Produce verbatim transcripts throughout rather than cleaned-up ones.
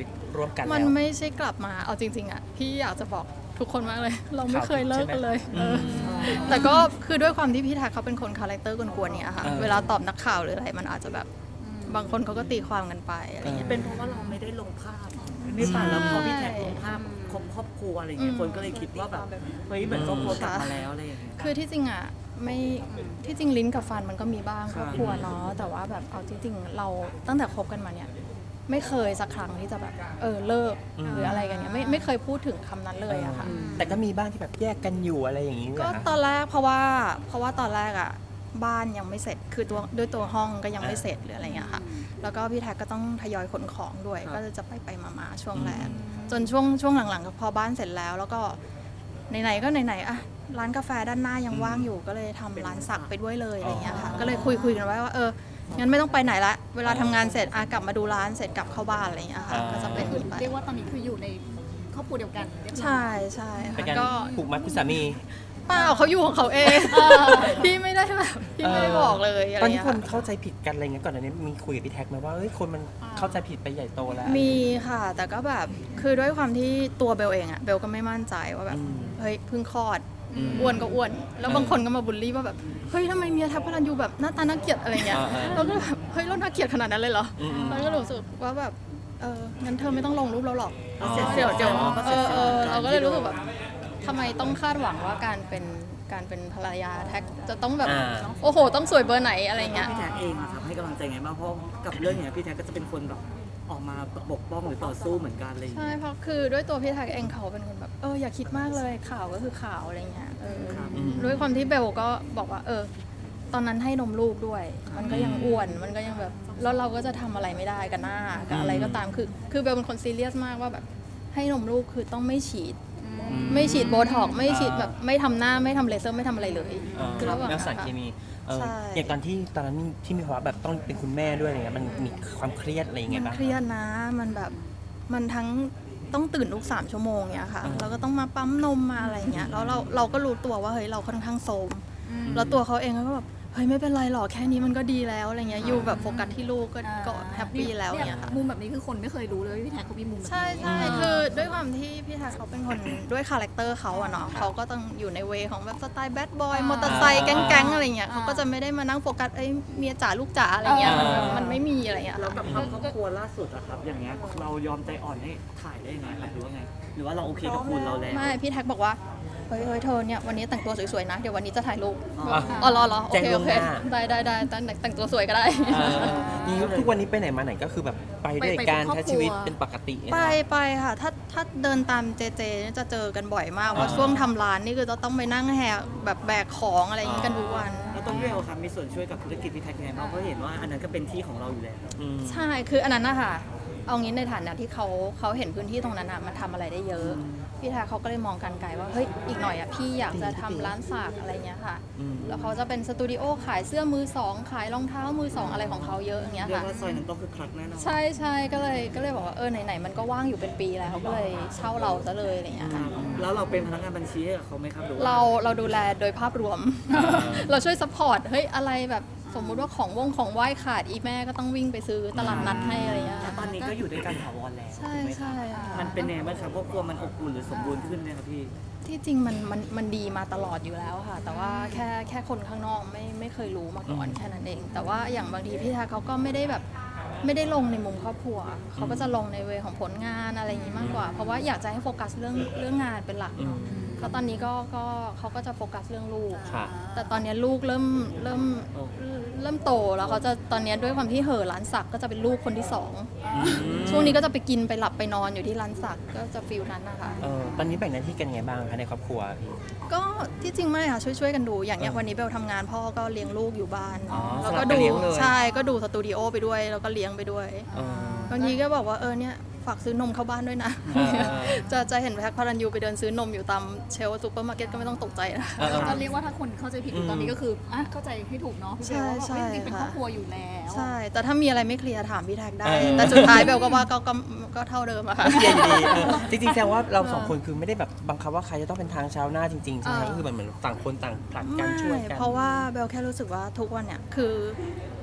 ร่วมกันแล้วมันไม่ใช่กลับมาเอาจริงๆอ่ะพี่อยากจะบอกทุกคนมากเลย เราไม่เคยเลิกกันเลยเออแต่ก็คือด้วยความที่พี่แท็กเขาเป็นคนคาแรคเตอร์กวนๆเนี่ยค่ะเวลาตอบนักข่าวหรืออะไรมันอาจจะแบบบางคนเขาก็ตีความกันไปอะไรเงี้ยเป็นเพราะว่าเราไม่ได้ลงภาพไม่ป่ะแล้วพอพี่แท็กลงภาพครอบครอบครัวอะไรเงี้ยคนก็เลยคิดว่าแบบเฮ้ยเหมือนครอบครัวกลับมาแล้วอะไรอย่างเงี้ยคือที่จริงอ่ะไม่ที่จริงลิ้นกับฟันมันก็มีบ้างคครับ รอบครัวเนาะแต่ว่าแบบเอาจริงๆเราตั้งแต่คบกันมาเนี่ยไม่เคยสักครั้งที่จะแบบเออเลิกหรืออะไรกันเนี่ยไม่ไม่เคยพูดถึงคำนั้นเลยอะค่ะแต่ก็มีบ้างที่แบบแยกกันอยู่อะไรอย่างนี้ก็เหรอคะตอนแรกเพราะว่าเพราะว่าตอนแรกอ่ะบ้านยังไม่เสร็จคือตัวด้วยตัวห้องก็ยังไม่เสร็จหรืออะไรเงี้ยค่ะแล้วก็พี่แท็กก็ต้องทยอยขนของด้วยก็จะไปไปๆมาๆช่วงแรกจนช่วงช่วงหลังๆพอบ้านเสร็จแล้ว แล้วก็ไหนๆก็ไหนๆอะร้านกาแฟด้านหน้ายังว่างอยู่ก็เลยทำร้านสักไปด้วยเลยอะไรเงี้ยค่ะก็เลยคุยคุยกันไว้ว่าเอองั้นไม่ต้องไปไหนละเวลาทำงานเสร็จอะกลับมาดูร้านเสร็จกลับเข้าบ้านอะไรเงี้ยค่ะก็จะเป็นคือไปเรียกว่าตอนนี้คืออยู่ในครอบครัวเดียวกันเรียบร้อยใช่ใช่เป็นค่ะการก็ผูกมัดคุณสามีเปล่าเขาอยู่ของเขาเองพี่ไม่ได้แบบพี่ไม่ได้บอกเลยอะไรตอนนี้เงี้ยคนค่ะเข้าใจผิดกันอะไรเงี้ยก่อนอันนี้มีคุยกับพี่แท็กไหมว่าเอ้ยคนมันเข้าใจผิดไปใหญ่โตแล้วมีค่ะ แต่ก็แบบคือด้วยความที่ตัวเบลเองอะเบลก็ไม่มั่นใจว่าแบบอืมเฮ้ยเพิ่งคลอดอืมอ้วนก็อ้วน แล้วเออบางคนก็มาบูลลี่ว่าแบบเฮ้ยทำไมเมียแท็กพลันยูแบบหน้าตาน่าเกลียดอะไรเงี้ยเออเออเราก็แบบเฮ้ยเราน่าเกลียดขนาดนั้นเลยเหรออืมอืมแล้วก็รู้สึกว่าแบบเอองั้นเธอไม่ต้องลงรูปเราหรอกอ๋อเดี๋ยวเดี๋ยวอ๋อเออเออเราก็เลยรู้สึกแบบทำไมต้องคาดหวังว่าการเป็นการเป็นภรรยาแท็กจะต้องแบบอ่าโอ้โหต้องสวยเบอร์ไหนอะไรเงี้ยพี่แท็กเองอะครับให้กำลังใจไงบ้างเพราะกับเรื่องเนี้ยพี่แท็กก็จะเป็นคนแบบออกมาปกป้องหรือต่อสู้เหมือนกันอะไรอย่างใช่เงี้ยเพราะคือด้วยตัวพี่แท็กเองเขาเป็นคนแบบเอออย่าคิดมากเลยข่าวก็คือข่าวอะไรเงี้ยเออครับด้วยความที่เบลก็บอกว่าเออตอนนั้นให้นมลูกด้วย มันก็ยังอ้วนมันก็ยังแบบแล้วเราก็จะทำอะไรไม่ได้กับหน้ากับอะไรก็ตามคือคือเบลเป็นคนซีเรียสมากว่าแบบให้นมลูกคือต้องไม่ฉีด ไม่ฉีดโบท็อกซ์ไม่ฉีดแบบไม่ทำหน้าไม่ทำเลเซอร์ไม่ทำอะไรเลยเออคือระหว่างแล้วสารเคมีเออใช่อย่างตอนที่ตอนนั้นที่มีภาวะแบบต้องเป็นคุณแม่ด้วยอะไรเงี้ยมันมีความเครียดอะไรยังไงมันบ้างเครียดนะมันแบบมันทั้งต้องตื่นทุกสามชั่วโมงเนี้ยค่ะอ่าแล้วก็ต้องมาปั๊มนมมาอะไรเงี้ยแล้วเราเราก็รู้ตัวว่าเฮ้ยเราค่อนข้างโทรมแล้วตัวเขาเองก็แบบเฮ้ยไม่เป็นไรหรอกแค่นี้มันก็ดีแล้วอะไรเงี้ยอยู่แบบโฟกัสที่ลูกก็ก็แฮปปี้แล้วเงี้ยค่ะมุมแบบนี้คือคนไม่เคยรู้เลยว่าพี่แท็กเขามีมุมแบบนี้ใช่ใช่คือด้วยความที่พี่แท็กเขาเป็นคนด้วยคาแรคเตอร์เขาอะเนาะเขาก็ต้องอยู่ในเวของแบบสไตล์แบดบอยมอเตอร์ไซค์แก๊งๆอะไรเงี้ยเขาก็จะไม่ได้มานั่งโฟกัสเอ้ยเมียจ๋าลูกจ๋าอะไรเงี้ยมันมันไม่มีอะไรเงี้ยแล้วกับภาพครอบครัวล่าสุดอะครับอย่างเงี้ยเรายอมใจอ่อนให้ถ่ายได้ยังไงครับหรือว่าไง หรือว่าเราโอเคกับคุณเราแล้วไม่พี่แท็กบอกว่าเฮ้ยเฮ้ยเธอเนี่ยวันนี้แต่งตัวสวยๆนะเดี๋ยววันนี้จะถ่ายรูปอ๋ออ๋อรอรอโอแจ้งเคล่โอวงเคหน้าได้ได้ได้แต่งแต่งตัวสวยก็ได้เออนี่ทุกวันนี้ไปไหนมาไหนก็คือแบบไปด้วยไปการเป็นครอบใช้ครัวชีวิตเป็นปกติไปไปค่ะถ้าถ้าเดินตามเจเจเนี่ยจะเจอกันบ่อยมากเพราะช่วงทำร้านนี่คือจะต้องไปนั่งแหกแบบแบกของอะไรอย่างงี้กันทุกวันแล้วต้องเรียกครับมีส่วนช่วยกับธุรกิจพี่แท็กยังไงบ้างเพราะเห็นว่าอันนั้นก็เป็นที่ของเราอยู่แล้วอืมใช่ คืออันนั้นนะคะเอางี้ในฐานะที่เขาเขาเห็นพื้นที่ตรงนั้นอะมันทำอะไรได้เยอะ พี่ทาเขาก็เลยมองกันไกลว่า เฮ้ย อีกหน่อยอะพี่อยากจะทำร้านสักอะไรเงี้ยค่ะอืมแล้วเขาจะเป็นสตูดิโอขายเสื้อมือสอง ขายรองเท้ามือสองอะไรของเขาเยอะอย่างเงี้ยเรียกค่ะว่าซอยนั้นต้องคือคลักแน่นอนใช่ใช่ก็เลยก็เลยบอกว่า เออ ไหนๆ มันก็ว่างอยู่เป็นปีแล้วเขาก็เลยเช่าเราซะเลยอะไรเงี้ยคค่ะรับแล้วเราเป็นพนักงานบัญชีให้กับเขาไหมครับหรือว่าเราเราดูแลโดยภาพรวม เราช่วยซัพพอร์ต เฮ้ย อะไรแบบสมมุติว่าของวงของไหว้ขาดอีแม่ก็ต้องวิ่งไปซื้อตลาดนัดให้อะไรเงี้ยแล้วตอนนี้ก็อยู่ด้วยกันถาวรแล้วใช่ถูกไหมครับใช่ค่ะมันเป็นไงบ้างครับครอบครัวมันอบอุ่นหรือสมบูรณ์ขึ้นไหมครับพี่ที่จริงมันมันมันดีมาตลอดอยู่แล้วค่ะ แต่ว่าแค่แค่คนข้างนอกไม่ไม่เคยรู้มาก่อนแค่นั้นเอง แต่ว่าอย่างบางทีพี่ทาเขาก็ไม่ได้แบบไม่ได้ลงในมุมครอบครัวเขาก็จะลงในเวของผลงานอะไรอย่างนี้มากกว่า เพราะว่าอยากจะให้โฟกัสเรื่องเรื่องงานเป็นหลักเนาะแล้วตอนนี้ก็ก็เขาก็จะโฟกัสเรื่องลูกค่ะแต่ตอนนี้ลูกเริ่มเริ่มเริ่มโตแล้วเขาจะตอนนี้ด้วยความที่เห่อร้านสักก็จะเป็นลูกคนที่สองช่วงนี้ก็จะไปกินไปหลับไปนอนอยู่ที่ร้านสักก็จะฟิลนั้นนะคะเออตอนนี้แบ่งหน้าที่กันไงบ้างคะในครอบครัวพี่ก็ที่จริงไม่ค่ะช่วยช่วยกันดูอย่างเนี้ยเออวันนี้เบลทำงานพ่อก็เลี้ยงลูกอยู่บ้านอ๋อแล้วสลัก็บกันดูเลี้ยงเลยใช่ก็ดูสตูดิโอไปด้วยแล้วก็เลี้ยงไปด้วยเออบางทีก็บอกว่าเออเนี่ยฝากซื้อนมเข้าบ้านด้วยนะเออจะจะเห็นแพ็คพารันยูไปเดินซื้อนมอยู่ตามเชลฟ์ซูเปอร์มาร์เก็ตก็ไม่ต้องตกใจนะเออเออก็เรียกว่าถ้าคนเข้าใจผิดอยู่ตอนนี้ก็คืออ่ะเข้าใจให้ถูกเนาะพี่เบลว่าแบบใช่เฮ้ยจริงๆเป็นใช่ครอบครัวอยู่แล้วใช่ แต่ถ้ามีอะไรไม่เคลียร์ถามพี่แท็กได้เออแต่สุดท้ายเบลก็ว่าก็ก็ก็เท่าเดิมอะค่ะเย็นดีเออจริงๆแสดงว่าเราสองคนคือไม่ได้แบบบังคับว่าใครจะต้องเป็นทางเช้าหน้าจริงๆใช่ไหมเออก็คือเหมือนเหมือนต่างคนต่างผลัดกันไม่ช่วยกันเพราะว่าเบลแค่รู้สึกว่าทุกวันเนี่ยคือ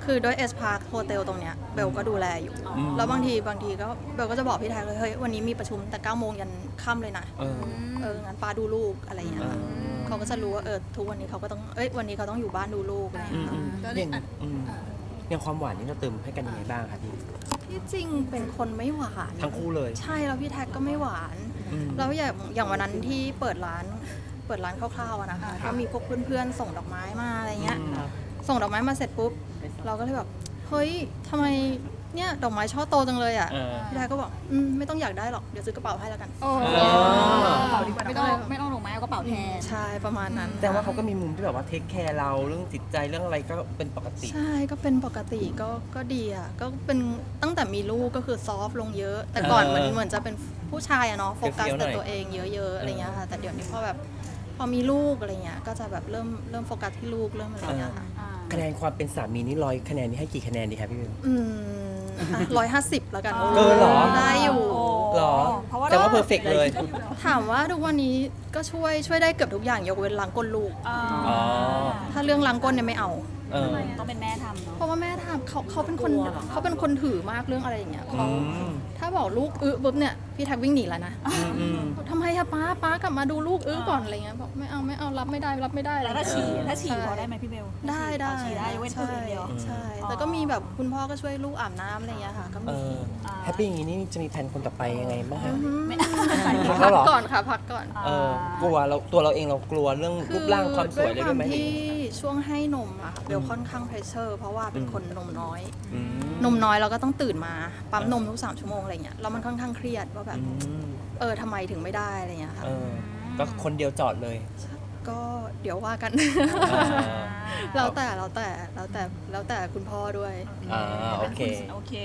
คือด้วยเอสพาร์คโฮเทลตรงเนี้ยเบลก็ดูแลอยู่อืมแล้วบางทีบางทีก็เบลก็จะบอกพี่แท็กเลยเฮ้ยวันนี้มีประชุมแต่เก้าโมงยันค่ำเลยนะเออเอองั้นป้าดูลูกอะไรอย่างเงี้ยค่ะอืมเขาก็จะรู้ว่าเออทุกวันนี้เขาก็ต้องเอ้ยวันนี้เขาต้องอยู่บ้านดูลูกอะไรอย่างอืเงี้มยค่ะอืมอย่างอืมอย่างความหวานนี่เราเติมให้กันยังไงบ้างคะพี่ที่จริงเป็นคนไม่หวานทั้งคู่เลยใช่แล้วพี่แท็กก็ไม่หวานอืมแล้วอย่างอย่างวันนั้นที่เปิดร้านเปิดร้านคร่าวๆอะนะคะก็มีพวกเพื่อนๆส่งดอกไม้มาอะไรเงี้ยอืมส่งดอกไม้มาเสร็จปุ๊บเราก็เลยแบบเฮ้ยทำไมเนี่ยดอกไม้ช่อโตจังเลยอ่ะเออพี่แท็กก็บอกอืมไม่ต้องอยากได้หรอกเดี๋ยวซื้อกระเป๋าให้แล้วกันโอ้เออไม่ต้องไม่ต้องลงไม้เอากระเป๋าแทนใช่ประมาณนั้นแต่ว่าเขาก็มีมุมที่แบบว่าเทคแคร์เราเรื่องจิตใจเรื่องอะไรก็เป็นปกติใช่ก็เป็นปกติก็ก็ดีอ่ะก็เป็นตั้งแต่มีลูกก็คือซอฟต์ลงเยอะ แต่ก่อนเออเหมือนเหมือนจะเป็นผู้ชายอะเนาะโฟกัสเฟี้ยวๆหน่แต่อยตัวเองเยอะๆอะไรเงี้ยค่ะแต่เดี๋ยวนี้พอแบบพอมีลูกอะไรเงี้ยก็จะแบบเริ่มเริ่มโฟกัสที่ลูกเริ่มอะไรเงี้ยค่ะคะแนนความเป็นสามีนี่ร้อยคะแนนนี่ให้กี่คะแนนดีครับพี่เบลอืมร้อยห้าสิบแล้วกันเกินเหรอได้อยู่หรอเพราะว่าแต่ว่าเพอร์เฟกเลยถามว่าทุกวันนี้ก็ช่วยช่วยได้เกือบทุกอย่างยกเว้นล้างก้นลูกอ่าอ๋อถ้าเรื่องล้างก้นเนี่ยไม่เอาเออต้องเป็นแม่ทำเนาะเพราะว่าแม่ทำเขาเขาเป็นคนเขาเป็นคนถือมากเรื่องอะไรอย่างเงี้ยอืเขามถ้าบอกลูกอื้อปุ๊บเนี่ยพี่แท็กวิ่งหนีแล้วนะอืมอืมทำไมอะป้าป้ากลับมาดูลูกอื้อก่อนอะไรเงี้ยบอกไม่เอาไม่เอารับไม่ได้รับไม่ได้อะไรแล้วถ้าฉี่เงี้ยถ้าฉี่ใช่พอได้ไหมพี่เบลได้ได้ฉี่ได้ยกเว้นตื่นอย่างเดียวใช่แต่ก็มีแบบคุณพ่อก็ช่วยลูกอาบน้ำอะไรเงี้ยค่ะก็เอมีอแฮปปี้อย่างนี้นี่จะมีแผนคนต่อไปยังไงบ้างฮะไม่พักแล้พัวกเหรอก่อนค่ะพักก่อนเออกลัวเราตัวเราเองเรากลัวเรื่องรูปร่างความสวยเลยด้ด้วยไหมความที่ช่วงให้นมอะค่ะเบลค่อนข้างเพรสเชอร์เพราะว่าเป็นอืมคนนมน้อยอืมนมน้อยเราก็ต้องตื่นมาปั๊มนมทุกสามชั่วโมงอะไรเงี้ยแล้วมันค่อนข้างเครียดว่าแบบอืมเออทำไมถึงไม่ได้อะไรเงี้ยค่ะเออก็คนเดียวจอดเลยก็เดี๋ยวว่ากันอ่าแล้วแต่แล้วแต่แล้วแต่แล้วแต่คุณพ่อด้วยอ่าโอเคโอเค